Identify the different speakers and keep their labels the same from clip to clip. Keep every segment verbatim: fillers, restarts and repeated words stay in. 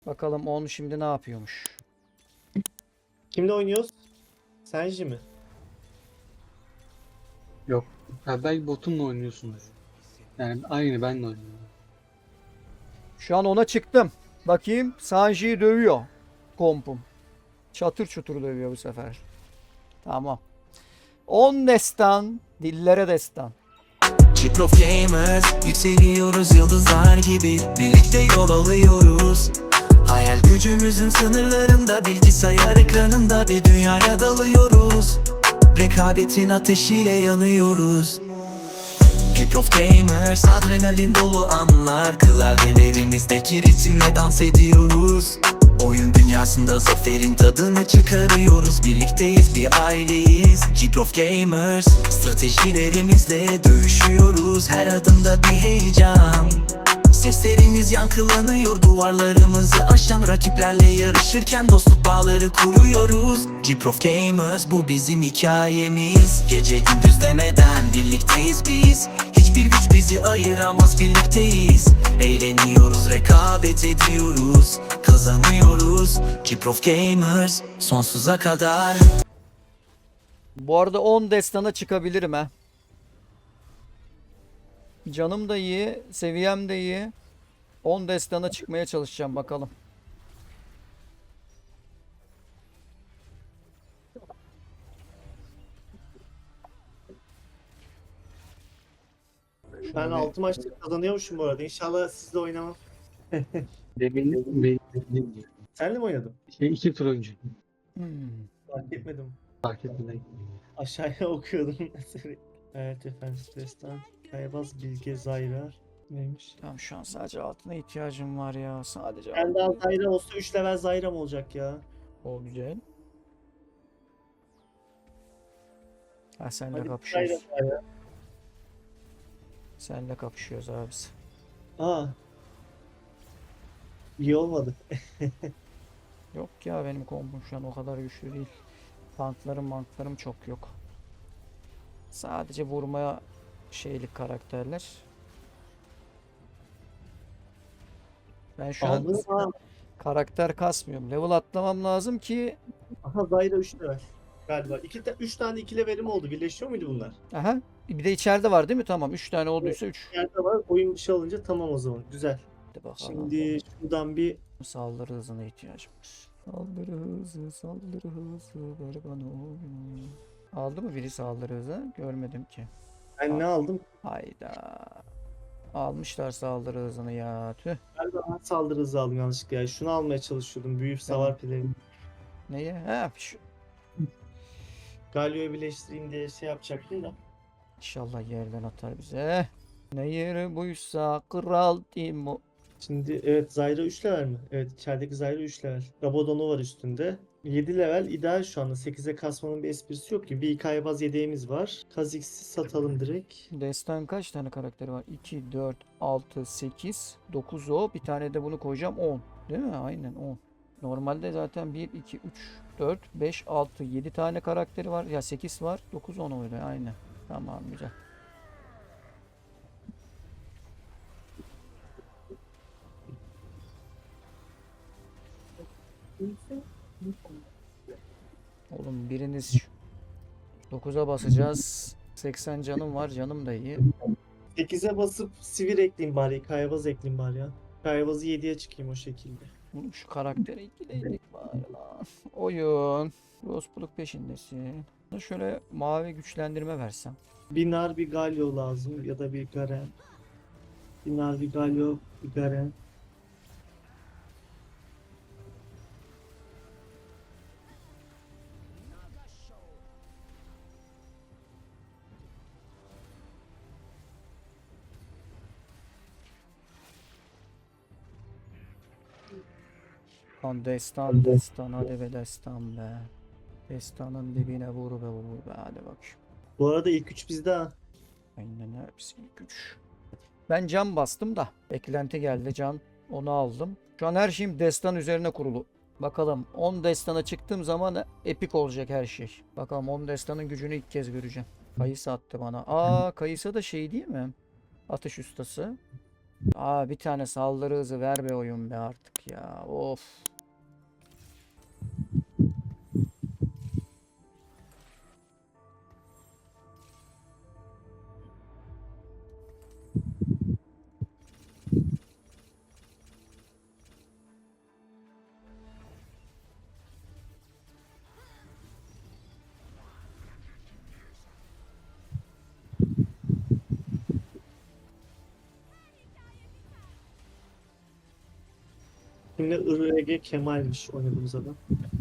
Speaker 1: Bakalım on şimdi ne yapıyormuş.
Speaker 2: Kimle oynuyoruz? Senji mi?
Speaker 3: Yok. Ha, belki botunla oynuyorsunuz. Yani aynı benle oynuyorum.
Speaker 1: Şu an ona çıktım. Bakayım Sanji'yi dövüyor. Kompum. Çatır çutur dövüyor bu sefer. Tamam. on destan. Dillere destan.
Speaker 4: Chiprof Gamers, yükseliyoruz yıldızlar gibi, birlikte yol alıyoruz. Hayal gücümüzün sınırlarında, bilgisayar ekranında bir dünyaya dalıyoruz. Rekabetin ateşiyle yanıyoruz. Chiprof Gamers, adrenalin dolu anlar, klavyelerimizdeki ritimle dans ediyoruz. Oyun dünyasında zaferin tadını çıkarıyoruz. Birlikteyiz, bir aileyiz. Chiprof Gamers, stratejilerimizle dövüşüyoruz. Her adımda bir heyecan. Seslerimiz yankılanıyor, duvarlarımızı aşan rakiplerle yarışırken dostluk bağları kuruyoruz. Chiprof Gamers, bu bizim hikayemiz. Gece gündüz demeden birlikteyiz biz. Hiçbir güç bizi ayıramaz, birlikteyiz. Eğleniyoruz, rekabet ediyoruz, kazanıyoruz. Chiprof Gamers, sonsuza kadar.
Speaker 1: Bu arada on destana çıkabilirim ha. Canım da iyi, seviyem de iyi. on destana çıkmaya çalışacağım bakalım.
Speaker 2: Ben
Speaker 1: Şöyle
Speaker 2: altı maçta kazanıyormuşum bu arada. İnşallah sizle oynamam.
Speaker 3: Demin, benim,
Speaker 2: Senle mi oynadın?
Speaker 3: şey, iki tur önce.
Speaker 1: Hmm.
Speaker 2: Fark etmedim.
Speaker 3: Fark etmeden.
Speaker 2: Aşağıya okuyordum. Evet efendim, stresten. Kaybaz Bilge Zayrar. Neymiş?
Speaker 1: Tamam şu an sadece altına ihtiyacım var ya. Sadece
Speaker 2: Ben daha
Speaker 1: altına.
Speaker 2: Zayra olsa üç level Zayram olacak ya.
Speaker 1: O güzel. Ha senle
Speaker 2: Hadi
Speaker 1: kapışıyoruz.
Speaker 2: Zayra Zayra.
Speaker 1: Senle kapışıyoruz abisi.
Speaker 2: Aa. İyi olmadı.
Speaker 1: Yok ya benim kombum şu an o kadar güçlü değil. Tanklarım manklarım çok yok. Sadece vurmaya şeylik karakterler. Ben şu an
Speaker 2: Aldın mı?
Speaker 1: karakter kasmıyorum. Level atlamam lazım ki.
Speaker 2: Aha Zayra üç level. Galiba. iki ta üç tane iki levelim oldu. Birleşiyor muydu bunlar?
Speaker 1: Aha. Bir de içeride var değil mi? Tamam. üç tane olduysa üç.
Speaker 2: Yerde var. Oyun dışı alınca tamam o zaman. Güzel.
Speaker 1: Hadi bakalım.
Speaker 2: Şimdi şuradan bir
Speaker 1: Saldırı hızına ihtiyacım var. Saldırı hızı, saldırı hızı, ver bana oyunu. Aldı mı biri saldırı hızı? Görmedim ki.
Speaker 2: ben ne aldım?
Speaker 1: Hayda. Almışlar saldırı hızını ya. Tüh.
Speaker 2: Galiba ben saldırı hızı aldım yanlışlıkla ya. Şunu almaya çalışıyordum. Büyük
Speaker 1: Tamam.
Speaker 2: savar pelerini.
Speaker 1: Neye? Ha, şu.
Speaker 2: Galio'yu birleştireyim diye şey yapacaktım da.
Speaker 1: İnşallah yerden atar bize. Ne yeri buysa kral Timo.
Speaker 2: Şimdi evet Zyra üç level mi? Evet içerideki Zyra üç level. Rabadon'u var üstünde. yedi level ideal şu anda. sekize kasmanın bir esprisi yok ki. Bir kaybaz yedeğimiz var. Kha'Zix'i satalım direkt.
Speaker 1: Destan kaç tane karakteri var? iki, dört, altı, sekiz, dokuz o. Bir tane de bunu koyacağım on. Değil mi? Aynen on. Normalde zaten bir, iki, üç, dört, beş, altı, yedi tane karakteri var. Ya sekiz var. dokuz, on öyle. Aynen. Tamam güzel. Oğlum biriniz dokuza basacağız. seksen canım var. Canım da iyi.
Speaker 2: sekize basıp sivir ekleyeyim bari. Kaybaz ekleyeyim bari ya. Kaybazı yediye çıkayım o şekilde.
Speaker 1: Oğlum şu karaktere ikileydik bari lan. Oyun. Rospuluk peşindesin. Şöyle mavi güçlendirme versem.
Speaker 2: Bir nar bir Galio lazım ya da bir Garen. Bir nar bir Galio bir Garen.
Speaker 1: Lan destan destan hadi be destan be. Destanın dibine vur be vur be hadi bak.
Speaker 2: Bu arada ilk üç bizde ha.
Speaker 1: Aynen hepsi güç. Ben can bastım da. Beklenti geldi can. Onu aldım. Şu an her şeyim destan üzerine kurulu. Bakalım on destana çıktığım zaman epik olacak her şey. Bakalım on destanın gücünü ilk kez göreceğim. Kayısı attı bana. Aa Kayısı da şey değil mi? Atış ustası. Aa, bir tane saldırı hızı ver be oyun be artık ya. Of.
Speaker 2: Şimdi I R G Kemal'miş oynadığımız adam.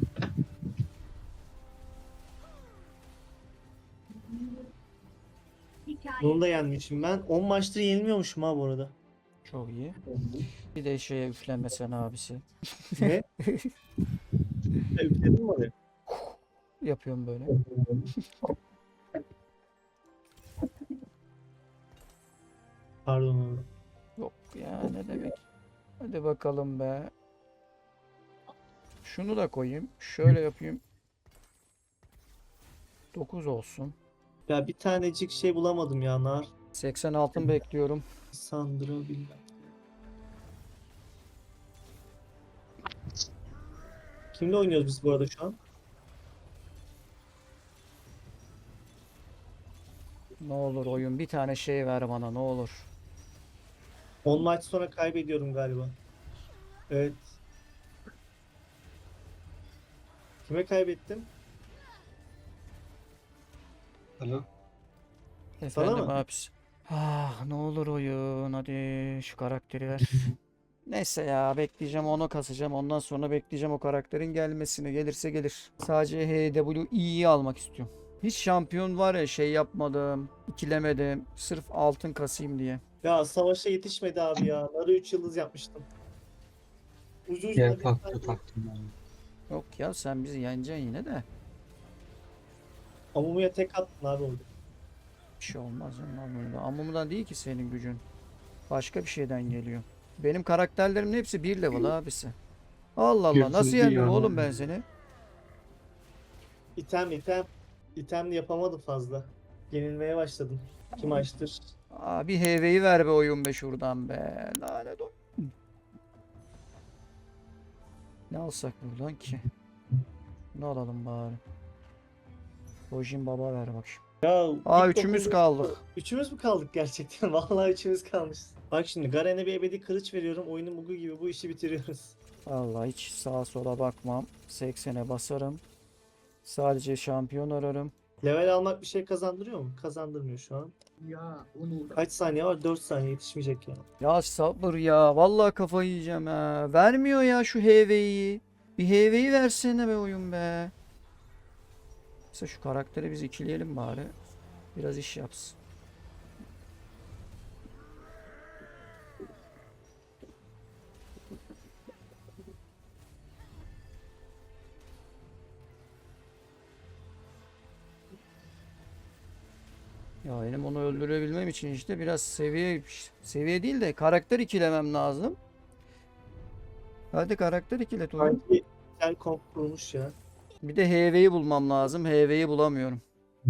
Speaker 2: Bunu da yenmişim ben. on maçtır yenilmiyormuşum ha bu arada.
Speaker 1: Çok iyi. Bir de şeye üflenmesen abisi.
Speaker 2: Ne? E, Üfledin mi oraya?
Speaker 1: Yapıyorum böyle.
Speaker 2: Pardon abi.
Speaker 1: Yok ya, ne demek. Hadi bakalım be. Şunu da koyayım. Şöyle yapayım. dokuz olsun.
Speaker 2: Ya bir tanecik şey bulamadım ya nar.
Speaker 1: seksen altın bekliyorum.
Speaker 2: Sandra bilmem. Kimle oynuyoruz biz bu arada şu an?
Speaker 1: Ne olur oyun, bir tane şey ver bana ne olur.
Speaker 2: on maç sonra kaybediyorum galiba. Evet. Kime kaybettim?
Speaker 3: Alo.
Speaker 1: Efendim
Speaker 2: mı?
Speaker 1: abisi. Ah, ne olur oyun, hadi şu karakteri ver. Neyse ya, bekleyeceğim, onu kasacağım, ondan sonra bekleyeceğim o karakterin gelmesini, gelirse gelir. Sadece H W I'yi almak istiyorum. Hiç şampiyon var ya şey yapmadım, ikilemedim sırf altın kasayım diye.
Speaker 2: Ya savaşa yetişmedi abi ya. Narı üç yıldız yapmıştım. Ucu ucuna
Speaker 3: Diğer
Speaker 2: bir
Speaker 3: faktör
Speaker 2: tane
Speaker 3: taktım ben.
Speaker 1: Yok ya, sen bizi yeneceksin yine de.
Speaker 2: Amumu'ya tek attın abi oldu.
Speaker 1: Bir şey olmaz ya Amumu'dan. Amumu'dan değil ki senin gücün. Başka bir şeyden geliyor. Benim karakterlerimin hepsi bir level abisi. Allah Allah, nasıl
Speaker 3: Gözünü
Speaker 1: yendim
Speaker 3: yiyor
Speaker 1: oğlum
Speaker 3: ama.
Speaker 1: ben seni?
Speaker 2: İtem item. İtemli yapamadım fazla. Yenilmeye başladım. Kim açtır?
Speaker 1: Aa, bir H V'yi ver be oyun be şuradan be. Lanet o. Ne alsak buradan ki? Ne alalım bari? Rojin Baba ver bak şimdi.
Speaker 2: Ya
Speaker 1: Aa,
Speaker 2: ilk
Speaker 1: üçümüz
Speaker 2: dokuz-
Speaker 1: kaldık.
Speaker 2: Üçümüz mü kaldık gerçekten? Vallahi üçümüz kalmışız. Bak şimdi Garen'e bir ebedi kılıç veriyorum. Oyunun bugu gibi bu işi bitiriyoruz.
Speaker 1: Vallahi hiç sağa sola bakmam. seksene basarım. Sadece şampiyon ararım.
Speaker 2: Level almak bir şey kazandırıyor mu? Kazandırmıyor şu an. Kaç saniye var? dört saniye yetişmeyecek ya.
Speaker 1: Ya sabır ya. Vallahi kafayı yiyeceğim ha. Vermiyor ya şu H V'yi. Bir H V'yi versene be oyun be. Mesela şu karakteri biz ikileyelim bari. Biraz iş yapsın. Ya benim onu öldürebilmem için işte biraz seviye seviye değil de karakter ikilemem lazım. Hadi karakter ikilet oyun.
Speaker 2: Sanki güzel komp kurmuş ya.
Speaker 1: Bir de H V'yi bulmam lazım. H V'yi bulamıyorum.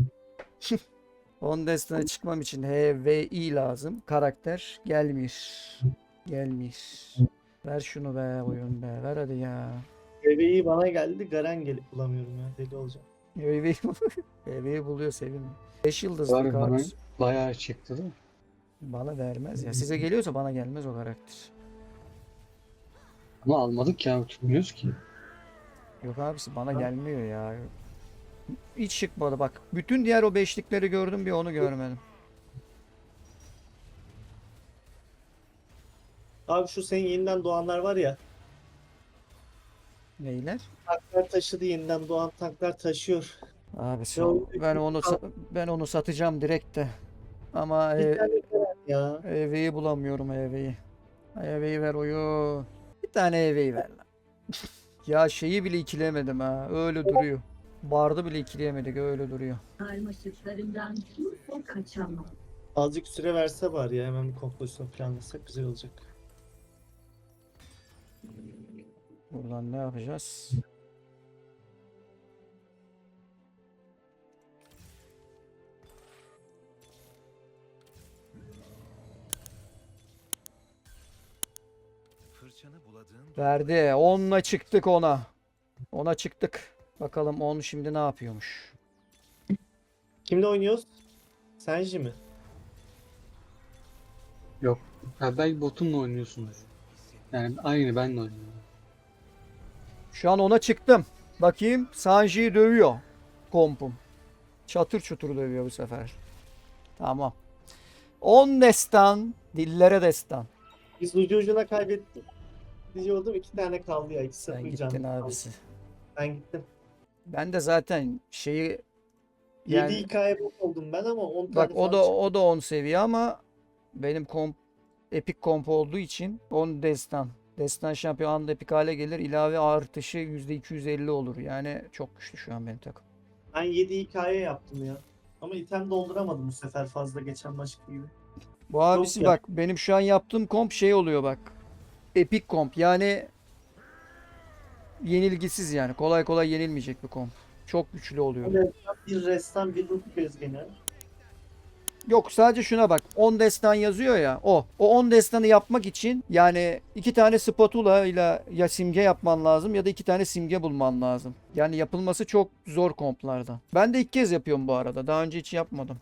Speaker 1: on destine çıkmam için H V I lazım. Karakter gelmiş. Gelmiş. Ver şunu be oyun be. Ver hadi ya.
Speaker 2: Bebeği bana geldi. Garen gelip bulamıyorum ya. Deli olacağım.
Speaker 1: H V'yi H V'yi buluyor sevim. beş yıldızlı
Speaker 3: Var bana
Speaker 1: kart.
Speaker 3: bayağı çıktı değil mi?
Speaker 1: Bana vermez ya. Size geliyorsa bana gelmez o karakter.
Speaker 3: Ama almadık ya, tutmuyoruz ki.
Speaker 1: Yok abisi, bana gelmiyor ya. Hiç çıkmadı bak. Bütün diğer o beşlikleri gördüm, bir onu görmedim.
Speaker 2: Abi şu senin yeniden doğanlar var ya.
Speaker 1: Neyler?
Speaker 2: Tanklar taşıdı, yeniden doğan tanklar taşıyor.
Speaker 1: Abi
Speaker 2: Yo,
Speaker 1: ben onu sa- ben onu satacağım direkt de. Ama
Speaker 2: Bir
Speaker 1: e,
Speaker 2: tane Garen ya.
Speaker 1: E V'yi bulamıyorum E V'yi. E V'yi ver oyun. Bir tane E V'yi ver lan. Ya şeyi bile ikilemedim ha. Öyle duruyor. Bardı bile ikileyemedik, öyle duruyor.
Speaker 5: Karmaşıklarından kimse kaçamaz.
Speaker 2: Azıcık süre verse var ya, hemen bir kompozisyon planlasak güzel olacak.
Speaker 1: Buradan ne yapacağız? Verdi. onla çıktık ona. ona çıktık. Bakalım on şimdi ne yapıyormuş.
Speaker 2: Kimle oynuyoruz? Senji mi?
Speaker 3: Yok. Ha, belki botunla oynuyorsunuz. Yani aynı benle oynuyorum.
Speaker 1: Şu an ona çıktım. Bakayım Sanji'yi dövüyor. Kompum. Çatır çutur dövüyor bu sefer. Tamam. on destan. Dillere destan.
Speaker 2: Biz ucu ucuna kaybettik. Diyordum iki tane kaldı ya. İki
Speaker 1: Sen
Speaker 2: sıfır
Speaker 1: gittin
Speaker 2: canım kaldı.
Speaker 1: abisi.
Speaker 2: Ben gittim.
Speaker 1: Ben de zaten şeyi yani
Speaker 2: yedi hikaye bok oldum ben ama on tane
Speaker 1: bak o
Speaker 2: falan
Speaker 1: da
Speaker 2: çıktı.
Speaker 1: o da on seviye ama benim komp epik komp olduğu için on destan. Destan şampiyon anında epik hale gelir. İlave artışı yüzde iki yüz elli olur. Yani çok güçlü şu an benim takım.
Speaker 2: Ben yedi hikaye yaptım ya. Ama item dolduramadım bu sefer fazla geçen maç gibi.
Speaker 1: Bu abisi
Speaker 2: ya.
Speaker 1: bak benim şu an yaptığım komp şey oluyor bak. Epik komp yani yenilgisiz yani. Kolay kolay yenilmeyecek bir komp. Çok güçlü oluyor.
Speaker 2: Böyle bir restan bir ruh gezgeni.
Speaker 1: Yok sadece şuna bak. on destan yazıyor ya. O. O on destanı yapmak için yani iki tane spatula ile ya simge yapman lazım ya da iki tane simge bulman lazım. Yani yapılması çok zor komplardan. Ben de ilk kez yapıyorum bu arada. Daha önce hiç yapmadım.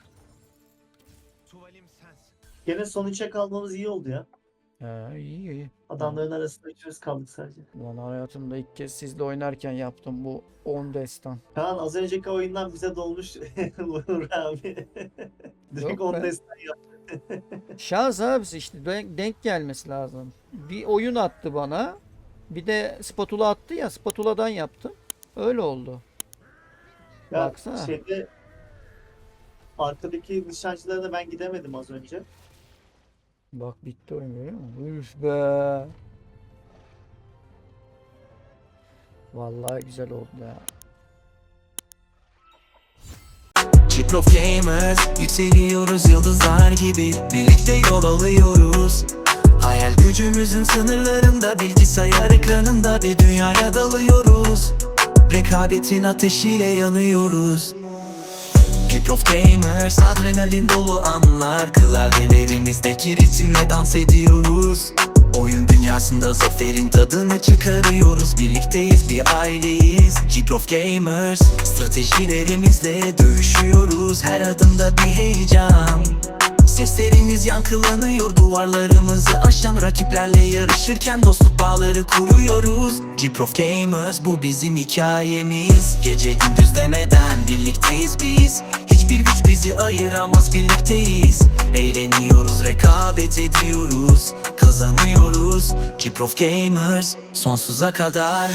Speaker 2: Gene son üçe kalmamız iyi oldu ya.
Speaker 1: He, iyi iyi.
Speaker 2: Adamların arasında üçümüz kaldık sadece.
Speaker 1: Ulan hayatımda ilk kez sizle oynarken yaptım bu on destan.
Speaker 2: Kaan az önceki oyundan bize dolmuş Uğur abi. Direkt
Speaker 1: Yok
Speaker 2: on
Speaker 1: be.
Speaker 2: destan yaptı.
Speaker 1: Şans abisi işte denk, denk gelmesi lazım. Bir oyun attı bana. Bir de spatula attı ya. Spatuladan yaptım. Öyle oldu.
Speaker 2: Ya
Speaker 1: Baksana.
Speaker 2: şeyde arkadaki nişancılara da ben gidemedim az önce.
Speaker 1: Bak bitti oyun görüyor musun? Üf be. Vallahi güzel oldu ya.
Speaker 4: Chiprof Gamers, yükseliyoruz yıldızlar gibi, birlikte yol alıyoruz. Hayal gücümüzün sınırlarında, bilgisayar ekranında bir dünyaya dalıyoruz. Rekabetin ateşiyle yanıyoruz. Chiprof Gamers, adrenalin dolu anlar, klavyelerimizdeki ritimle dans ediyoruz. Oyun dünyasında zaferin tadını çıkarıyoruz. Birlikteyiz, bir aileyiz. Chiprof Gamers, stratejilerimizle dövüşüyoruz. Her adımda bir heyecan. Seslerimiz yankılanıyor, duvarlarımızı aşan rakiplerle yarışırken dostluk bağları kuruyoruz. Chiprof Gamers, bu bizim hikayemiz. Gece gündüz demeden birlikteyiz biz. Hiçbir güç bizi ayıramaz, birlikteyiz. Eğleniyoruz, rekabet ediyoruz, kazanıyoruz. Chiprof Gamers, sonsuza kadar.